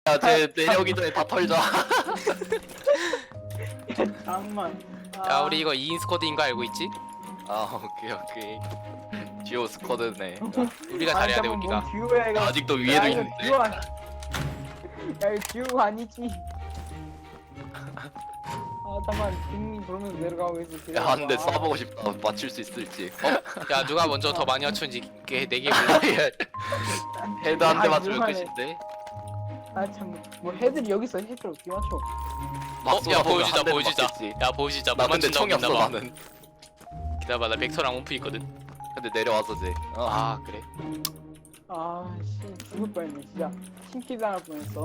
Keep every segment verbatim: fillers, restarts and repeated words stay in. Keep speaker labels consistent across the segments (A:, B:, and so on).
A: 야, 쟤 내려오기 전에 다 털자.
B: 잠만.
C: 야 우리 이거 이 인 스쿼드인 거 알고 있지?
A: 아, 오케이, 오케이. 듀오 스쿼드네.
C: 우리가 잘해야 돼 우리가.
B: 듀오야 이거.
A: 아직도 위에도
B: 야, 이거
A: 있는데.
B: 듀오 아니. 야 이거 듀오 아니지. 아 잠깐 빙 돌면서 내려가고 있어.
A: 야, 한 대 쏴보고 싶다. 맞출 수 있을지. 어?
C: 야 누가 먼저 더 많이 맞춘지 내게 몰라.
A: 헤드 한 대
B: 아,
A: 맞추면
B: 이상하네.
A: 끝인데.
B: 아참뭐 헤드를 여기 있어. 헤드를 어떻게 맞춰?
A: 막
C: 어? 야
A: 쏘아보면
C: 보여주자
A: 한 대도
C: 보여주자.
A: 맞겠지.
C: 야 보여주자.
A: 나
C: 못
A: 근데
C: 맞춘다고
A: 총이 없어
C: 믿나봐.
A: 나는.
C: 기다려봐 나 벡터랑 온프 있거든.
A: 근데 내려와서 쟤. 어.
C: 아 그래?
B: 아씨 죽을 뻔했네 진짜. 신기 당할 뻔했어.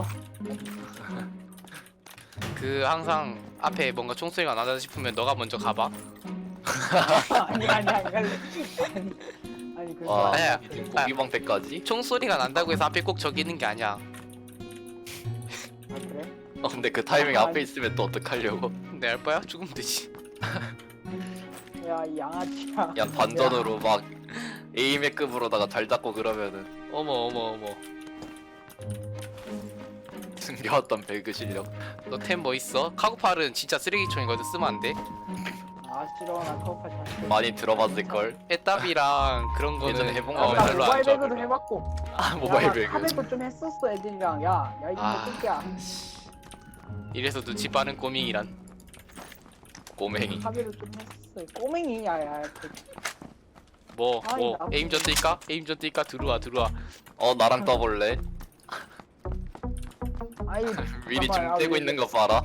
C: 그 항상 앞에 뭔가 총소리가 나다 싶으면 너가 먼저 가봐.
B: 아니 아니 안 갈래. 아니 아니 그래서
A: 와,
C: 아니야.
A: 고기방패까지?
C: 총소리가 난다고 해서 앞에 꼭 저기 있는 게 아니야.
B: 아 그래?
A: 어, 근데 그 타이밍
B: 아,
A: 앞에
B: 아니.
A: 있으면 또 어떡하려고.
C: 내 알 바야? 죽으면 되지.
B: 야 이 양아치야.
A: 야, 반전으로 막 에이맥급으로다가 잘 잡고 그러면은
C: 어머 어머 어머.
A: 숨겨왔던 배그 실력.
C: 너 템 뭐 있어? 카고팔은 진짜 쓰레기총이거든. 쓰면 안 돼.
B: 아 싫어 나 카우파지 않게.
A: 많이 들어봤을걸?
C: 에따비랑 그런 거는
A: 예전에 해본
C: 어,
A: 거
B: 나
C: 별로 안
B: 모바일
C: 좋아.
B: 배그도
C: 별로.
B: 해봤고.
A: 아, 모바일
B: 야, 나
A: 배그.
B: 카베도 좀 했었어 애들이랑. 야야 이
C: 아.
B: 정도 야
C: 이래서 눈치 빠른 꼬밍이란.
A: 꼬맹이.
B: 카베도 좀 했어. 꼬맹이 야야. 그,
C: 뭐
B: 아이,
C: 뭐
B: 나도
C: 에임전 뜰까? 에임전 뜰까? 들어와 들어와.
A: 어, 나랑 떠볼래?
B: 아이
A: 미리
B: 봐봐, 야,
A: 좀 떼고
B: 우리-
A: 있는 거 봐라.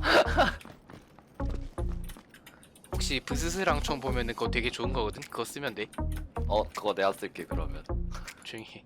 C: 혹시 브스스랑 총 보면은 그거 되게 좋은 거거든. 그거 쓰면 돼.
A: 어, 그거 내가 쓸게 그러면.
C: 조용히 해.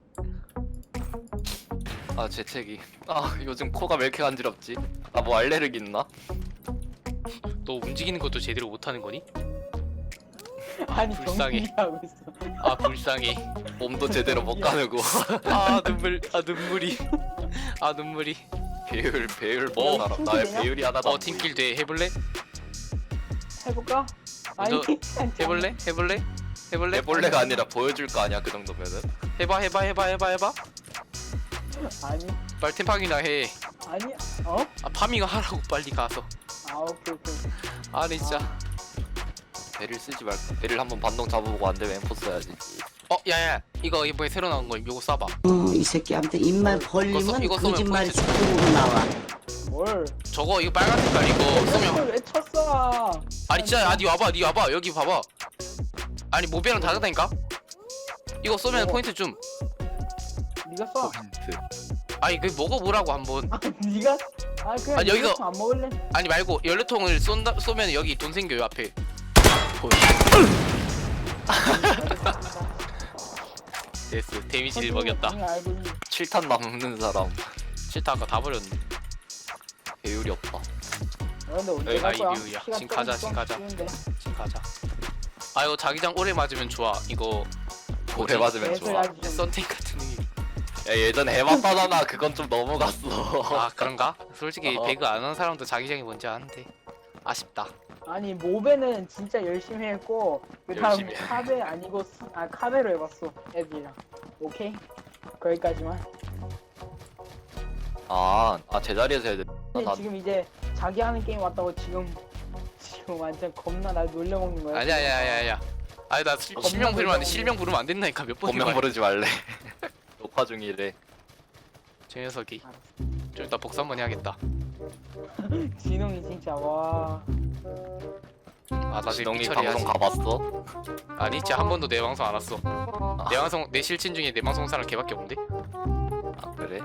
A: 아, 재채기. 아, 요즘 코가 왜 이렇게 간지럽지? 아, 뭐 알레르기 있나?
C: 너 움직이는 것도 제대로 못하는 거니?
B: 아니
C: 불쌍해.
B: 정신이 하고 있어.
C: 아 불쌍해.
A: 몸도 제대로 못 가누고.
C: 아 눈물. 아 눈물이. 아 눈물이.
A: 배율, 배율
C: 어?
A: 보는 사람. 나의
B: 팀킬이냐?
A: 배율이 하나도
C: 어
A: 안
C: 팀킬 돼. 해볼래?
B: 해볼까? 아니
C: 너 해볼래? 해볼래? 해볼래?
A: 해볼래가 아니라 보여줄 거 아니야 그 정도면은.
C: 해봐 해봐 해봐 해봐 해봐.
B: 아니
C: 빨리 템팡이나 해.
B: 아니 어?
C: 아 파밍을 하라고 빨리 가서.
B: 아 오케이 오케이.
C: 아니 진짜.
A: 배를 쓰지 말고 배를 한번 반동 잡아보고 안 되면 엠포 써야지.
C: 어 야야 이거 이번에 새로 나온 거 요거 쏴봐.
D: 어, 이 새끼한테 입만 벌리면
C: 이거 쏘면
D: 거짓말이
C: 포인트
D: 죽음으로 나와.
B: 뭘?
C: 저거 이거 빨간 색깔 이거 쏘면.
B: 이걸 왜 쳤어?
C: 아니 진짜 아니 와봐 니 와봐 여기 봐봐. 아니 모비랑 다르다니까. 이거 쏘면
B: 어.
C: 포인트 좀.
B: 네가 쏴.
A: 포인트.
C: 아니 그 먹어보라고 한번.
B: 아 네가? 아 그냥
C: 아, 여기서-
B: 이거 안 먹을래?
C: 아니 말고 연료통을 쏜다 쏘면 여기 돈 생겨요 앞에. 됐어 데미지를 먹였다.
B: 그냥 알고 있는.
A: 칠 탄 남는 사람
C: 싫다 아까 다 버렸네.
A: 배율이 없다.
B: 어, 근데 언제
C: 여기가
B: 갈 거야?
C: 이뷰야.
B: 시간
C: 지금 가자,
B: 조금
C: 지금 가자.
B: 쉬운데.
C: 지금 가자. 아 이거 자기장 오래 맞으면 좋아. 이거
A: 오래 맞으면
B: 계속
A: 좋아.
B: 아주 좀-
C: 썬팅 같은 느낌.
A: 야, 예전에 해봤다잖아. 그건 좀 넘어갔어.
C: 아 그런가? 솔직히
A: 어.
C: 배그 안 하는 사람도 자기장이 뭔지 아는데 아쉽다.
B: 아니 모베는 진짜 열심히 했고 그 다음
A: 열심히 해.
B: 카베 아니고 스- 아 카베로 해봤어 애들이랑. 오케이 거기까지만.
A: 아, 아 제자리에서 해야 돼.
B: 근데
A: 나-
B: 지금 이제 자기 하는 게임 왔다고 지금 지금 완전 겁나 날 놀려먹는 거야.
C: 아니야 아니야 아니야 아니야. 아니 나 실-
B: 겁나
C: 실명 부르면 안 돼.
B: 놀라운데.
C: 실명 부르면 안 된다니까 몇 번이나.
A: 본명 부르지 말래. 녹화 중이래.
C: 저 녀석이. 좀 이따 복수 한번 해야겠다.
B: 진홍이 진짜 와.
C: 아 나중에
A: 진동이
C: 삐처리해야지.
A: 방송 가봤어?
C: 아니 진짜 한 번도 내 방송 안 왔어.
A: 아,
C: 내 방송 내 실친 중에 내 방송 온 사람 걔밖에 없는데.
A: 아 그래?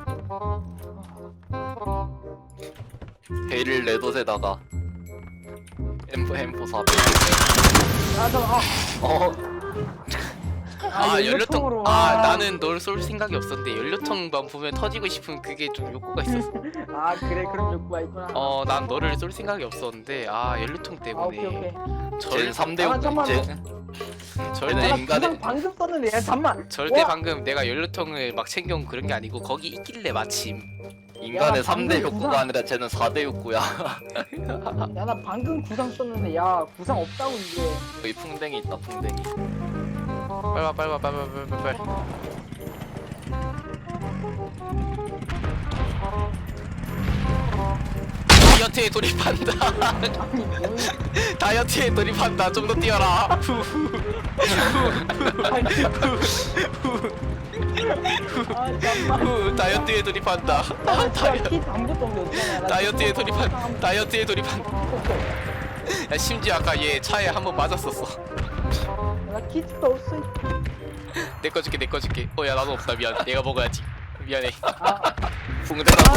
A: 배를 내도세다가 엠포 엠포 사백.
B: 아 잠깐.
A: 어,
C: 아, 연료통.
B: 연료통으로,
C: 아
B: 와.
C: 나는 널 쏠 생각이 없었는데 연료통만 보면 터지고 싶은 그게 좀 욕구가 있었어.
B: 아 그래 그런 욕구가 있구나.
C: 어 난 너를 쏠 생각이 없었는데 아 연료통
B: 아 오케이 오케이.
C: 때문에.
A: 쟤는
C: 절
A: 삼 대
B: 아,
A: 육.
B: 잠깐만.
A: 쟤
C: 절대
A: 쟤는
B: 나
A: 인간의
B: 부상 방금 썼는데 야 잠만.
C: 절대
B: 와.
C: 방금 내가 연료통을 막 챙겨온 그런 게 아니고 거기 있길래 마침.
A: 인간의
B: 야,
A: 삼 대
B: 방금
A: 욕구가
B: 구상-
A: 아니라 쟤는 사 대 욕구야.
B: 야 나 방금 구상 썼는데 야 구상 없다고 이게.
A: 여기 풍뎅이 있다 풍뎅이.
C: 빨리 와 빨리 와 빨리 와 빨리 와 빨리 와. 다이어트에 돌입한다.
B: 아니 뭔
C: 다이어트에 돌입한다. 좀 더 뛰어라.
B: 아니 아 잠만
C: 후, 다이어트에 돌입한다.
B: 아
C: 다이,
B: 진짜 키 아무것도 없는데
C: 다이어트에 돌입한 다이어트에 돌입한. 야, 심지어 아까 얘 차에 한 번 맞았었어.
B: 나 키트가 없어
C: 내 거 줄게 내 거 줄게. 어 야 나도 없다 미안. 내가 먹어야지. 미안해.
B: 아
A: 붕대가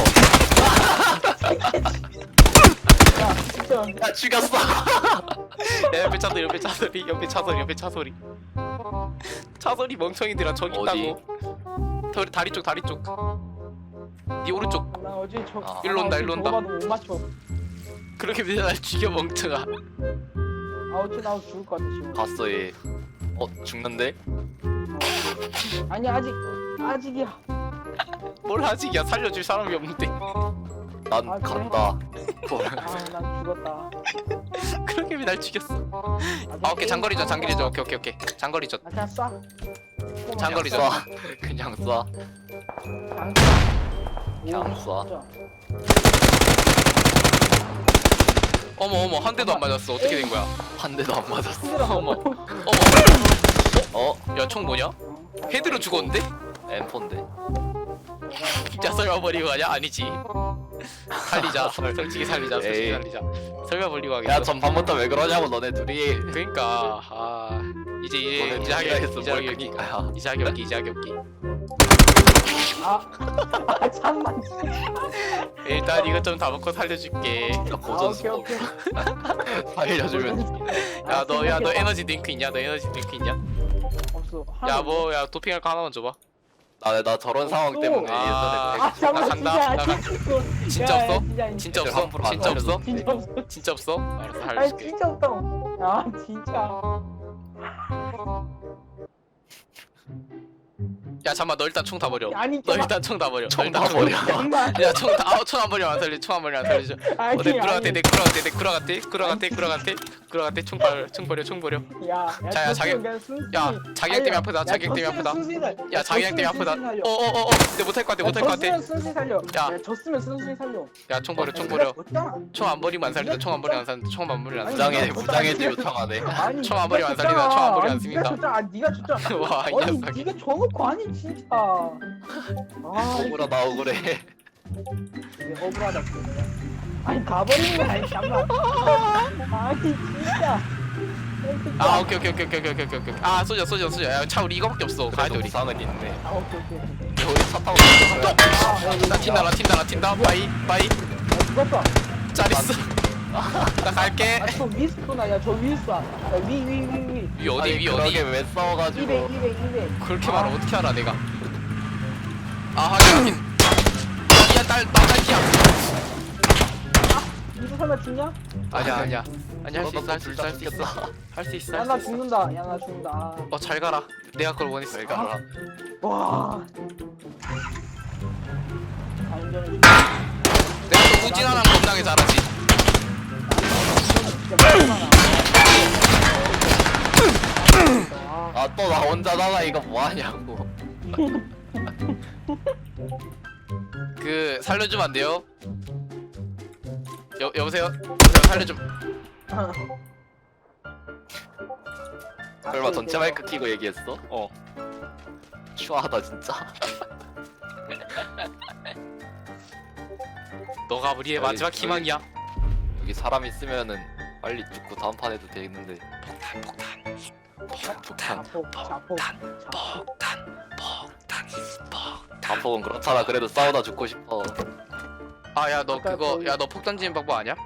B: 야 진짜
A: 야 죽였어.
C: 야 옆에 차소리 옆에 차소리 옆에 차소리 옆에 차소리. 차소리 멍청이들아 저기
A: 어디?
C: 있다고. 더, 다리 쪽 다리 쪽. 네 오른쪽.
B: 나 어제 저
A: 아.
C: 일로 온다,
B: 아,
C: 일로 온다.
B: 저거 봐도 못 맞춰
C: 그렇게 맨날 날 죽여 멍청아.
B: 아 어째 나 죽을 것 같아 지금
A: 갔어 얘. 어 죽는데?
B: 아니 아직 아직이야
C: 뭘 하지? 야 살려줄 사람이 없는데.
A: 난
B: 아, 그래?
A: 간다.
B: 아난 죽었다
C: 그렇게 맨날 죽였어.
B: 아직
C: 아 오케이 장거리전 장거리전 오케이 오케이 오케이 장거리전.
B: 아 그냥 쏴
C: 장거리전.
A: 쏴. 그냥 쏴. 그냥 쏴.
C: 어머 어머 한 대도 안 맞았어. 어떻게 된 거야?
A: 한 대도 안 맞았어.
C: 어머 어머.
A: 어?
C: 야 총 뭐냐? 헤드로 죽었는데?
A: 엠폰데.
C: 진짜 설마 버리고 가냐? 아니지. 살리자. 솔직히 살리자. 솔직히
A: 에이.
C: 살리자. 설마 버리고 가겠어?
A: 야 전반부터 왜 그러냐고 너네 둘이.
C: 그러니까 아 이제 이제
A: 너네
C: 이제
A: 둘이가
C: 하기
A: 했어
C: 이제
A: 뭘
C: 하기 없기
A: 그니까야.
C: 이제 하기 없기 이제 하기 없기.
B: 아, 아 잠만
C: 일단 이것 좀 다 먹고 살려줄게.
A: 나
B: 아 오케이
A: 고전수법
B: 오케이
A: 살려주면.
C: 야 너 야 너
B: 생각해봐.
C: 에너지 드링크 있냐? 너 에너지 드링크 있냐?
B: 없어
C: 야 뭐 야 도핑할 거 하나만 줘봐.
A: 나, 나 저런 상황
B: 어,
A: 때문에
C: 아.
B: 아 잠만
C: 간다,
B: 진짜
C: 나 간-
B: 진짜
C: 진짜
B: 야,
C: 없어?
B: 야, 진짜
C: 진짜
A: 애들
C: 없어?
A: 함부로 안
C: 진짜 없어?
A: 살려줘.
B: 진짜 없어
C: 진짜 없어? 알았어
B: 아니
C: 살려줄게.
B: 진짜 없다 야 진짜
C: 야 잠만 너 일단 총 다 버려.
B: 아니
C: 너
B: 잠만
C: 일단 총 다 버려.
A: 총
C: 너 일단
A: 다
C: 총-
A: 버려.
B: 잠만
C: 야총다총안 버리면 안 살려. 총 안 버리면 안 살려줘.
B: 아니
C: 어, 내 구라 같아,
B: 아니
C: 내 구라 같아, 내 구라 같아, 구라 같아, 구라 같아, 구라 같아. 총 버려, 총 버려, 총 버려.
B: 야,
C: 자, 야, 자기- 야, 자기장 때문에 아프다, 자기장 때문에 아프다. 야, 자기장 때문에 아프다. 어, 어, 어, 어, 내 못할 것 같아, 못할 것 같아.
B: 졌으면 순순히 살려.
C: 야.
B: 야, 졌으면 순순히 살려.
C: 야, 총 버려, 총 버려.
B: 졌잖아.
C: 총 안 버리면 안 살린다. 총 안 버리면 안 살린다. 총 안 버리면 안 살린다.
A: 무장해 무장해지 요청하네.
B: 아니,
C: 총안 버리면 안
B: 네가
C: 살린다, 총안 버리면 안
B: 졌잖아.
C: 씁니다.
B: 네가 졌잖아. 아, 네가 졌잖아.
C: 와, 이
B: 아니,
C: 녀석이.
B: 네가 져놓고 아니 진짜. 아,
A: 억울하 나 억울해.
B: 이게 억울하다. 진짜. 아니 가버리는 거 아니 잠깐. 아니 진짜.
C: 아, 오케이, 오케이, 오케이, 오케이, 오케이, 오케이, 오케이. 아, 쏘자, 쏘자, 쏘자. 야, 차 우리 이거밖에 없어. 가야 돼
A: 그래도
C: 우리.
A: 부상은 있네.
B: 아 오케이 오케이. 오케이.
A: 우리 차 타고 가자.
C: 나 튄다, 나 튄다, 나 튄다. 바이, 바이.
B: 아, 죽었어.
C: 잘 있어. 나 갈게.
B: 아, 저 위에 스톤아. 야, 저 위에 쏴. 야, 위, 위, 위, 위.
C: 위 어디,
A: 아니,
C: 위
A: 그러게
C: 어디?
A: 왜 싸워가지고.
B: 이백, 이백, 이백.
C: 그렇게 말을 어떻게 알아 내가? 아, 확인, 확인. 야, 딸, 나 딸기야.
B: 이거 설마 죽냐?
C: 아니야, 아니야. 아니 할 수 있어, 할 수 있어, 할 수
A: 죽겠어.
C: 있어. 할 수 있어,
B: 야,
C: 할
B: 나
C: 수 있어.
B: 죽는다. 야, 나 죽는다. 아.
C: 어, 잘 가라. 내가 그걸 원했어.
A: 잘 가라.
B: 와. 완전히
C: 내가 또 우진아랑 겁나게 잘하지.
B: 진짜 많아.
A: 아 또 나 혼자 나가 이거 뭐 하냐고.
C: 그 살려주면 안 돼요? 여 여보세요? 여보세요? 살려좀.
A: 설마 전체 마이크 키고 얘기했어?
C: 어.
A: 추하다 진짜.
C: 너가 우리의
A: 저희-
C: 마지막
A: 저희-
C: 희망이야.
A: 여기 사람 있으면은 빨리 죽고 다음 판 해도 되겠는데.
C: 폭탄,
B: 자폭, 자폭, 자폭.
C: 폭탄, 폭탄, 폭탄.
A: 자폭은 그렇잖아. 그래도 싸우다 죽고 싶어.
C: 아, 야, 너
B: 아까
C: 그거,
B: 거기-
C: 야, 너 폭탄 지는 방법 아냐?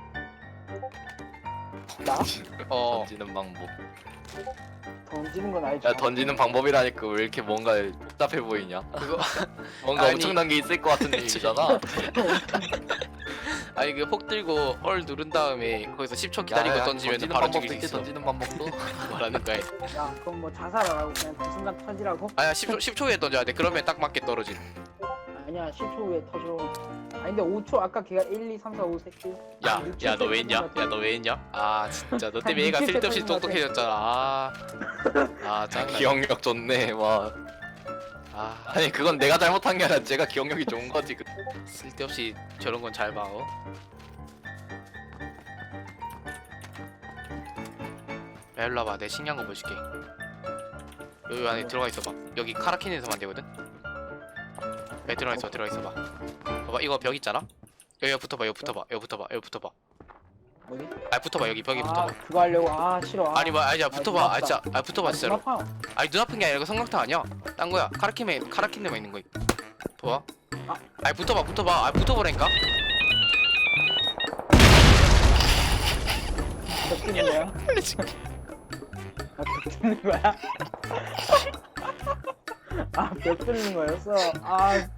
B: 나?
C: 어.
A: 던지는 방법.
B: 던지는 건 알지.
A: 야 던지는 방법이라니까 왜 이렇게 뭔가 복잡해 보이냐?
C: 그거
A: 뭔가
C: 아니.
A: 엄청난 게 있을 것 같은 느낌이잖아.
C: 아니 그 폭 들고 헐 누른 다음에 거기서 십 초 기다리고
A: 야, 야,
C: 던지면
A: 던지는
C: 바로
A: 방법도
C: 죽일 수
A: 있지,
C: 있어.
A: 던지는 방법도.
C: 뭐라는 거야?
B: 야, 그럼 뭐 자살하라고 그냥 그 순간 터지라고?
C: 아야 십 초 십 초 후에 던져야 돼. 그러면 딱 맞게 떨어지.
B: 아니야, 십 초 후에 터져. 아니 근데 오 초 아까 걔가 일, 이, 삼, 사, 오 새끼.
C: 야, 야 너 왜 했냐? 야 너 왜 했냐? 아 진짜 너 때문에 얘가 쓸데없이 똑똑해졌잖아. 아, 아 짱나.
A: 기억력 좋네. 와.
C: 아
A: 아니 그건 내가 잘못한 게 아니라 제가 기억력이 좋은 거지. 그-
C: 쓸데없이 저런 건 잘 봐. 어? 야 일로 와봐. 내 신기한 거 보여줄게. 여기 안에 들어가 있어봐. 여기 카라킨에서만 되거든. 야 들어가 있어. 들어가 있어봐. 봐봐 이거 벽 있잖아. 여기 붙어봐. 여기 붙어봐. 여기 붙어봐. 여기 붙어봐.
B: 어디?
C: 아 붙어봐. 여기 벽에
B: 아
C: 붙어봐.
B: 그거 하려고 아 싫어. 아,
C: 아니 뭐 아니야 붙어봐. 아 진짜 아 붙어봐 진짜로.
B: 아파.
C: 아니 눈 아픈 게 아니라 이거 성광탄 아니야. 딴 거야. 카라킨에 카라킨에만 있는 거. 봐봐.
B: 아.
C: 아니 붙어봐. 붙어봐. 아 붙어보라니까.
B: 몇 뜨는 거야? 아, 몇 뜨는 거야? 아, 몇 뜨는 거였어? 아,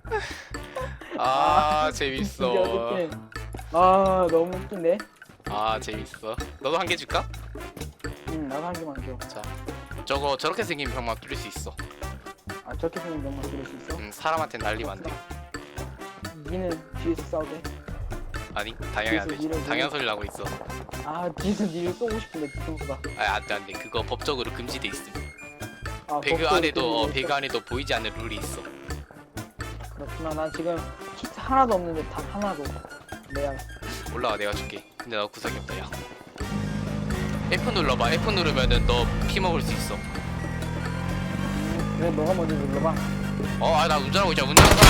C: 아
B: 이게
C: 재밌어.
B: 어떡해. 아, 너무 웃긴데?
C: 아 재밌어. 너도 한 개 줄까?
B: 응, 나도 한 개만 줘.
C: 자 저거 저렇게 생긴 병만 뚫릴 수 있어.
B: 아, 저렇게 생긴 병만 들을 수 있어?
C: 음 사람한테 날리면 안 돼.
B: 니는 뒤에서 싸우게.
C: 아니 당연히 안
B: 뒤에서
C: 되지.
B: 밀어줘.
C: 당연 소리를 하고 있어.
B: 아, 뒤에서 니를 쏘고 싶은데, 뒤통수가.
C: 아 안돼 안돼. 그거 법적으로 금지돼 있음.
B: 아,
C: 배그
B: 법도
C: 안에도 어,
B: 때문에
C: 배그 안에도 보이지 않는 룰이 있어.
B: 그렇구나. 나 지금 키트 하나도 없는데, 단 하나도. 내가.
C: 올라와 내가 줄게. 근데 나 구석이 없다 야. F 눌러봐. F 누르면은 너 피 먹을 수 있어.
B: 음, 그래, 너가 먼저 눌러봐.
C: 어 아 나 운전하고 있잖아. 운전하고.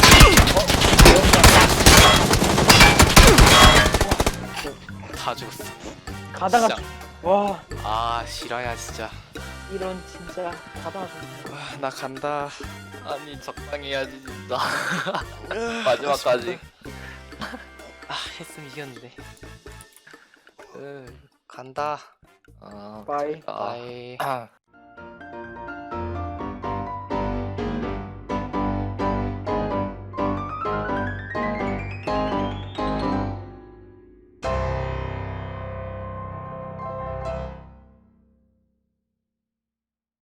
C: 다 죽었어.
B: 가다가,
C: 진짜.
B: 와,
C: 아 실화야 진짜.
B: 이런 진짜, 가다가.
C: 아, 나 간다.
A: 아니 적당히 해야지 진짜. 마지막까지.
C: 아 했으면 이겼는데. 으, 간다.
A: 아,
B: 바이.
A: 아,
C: 바이.
A: 아.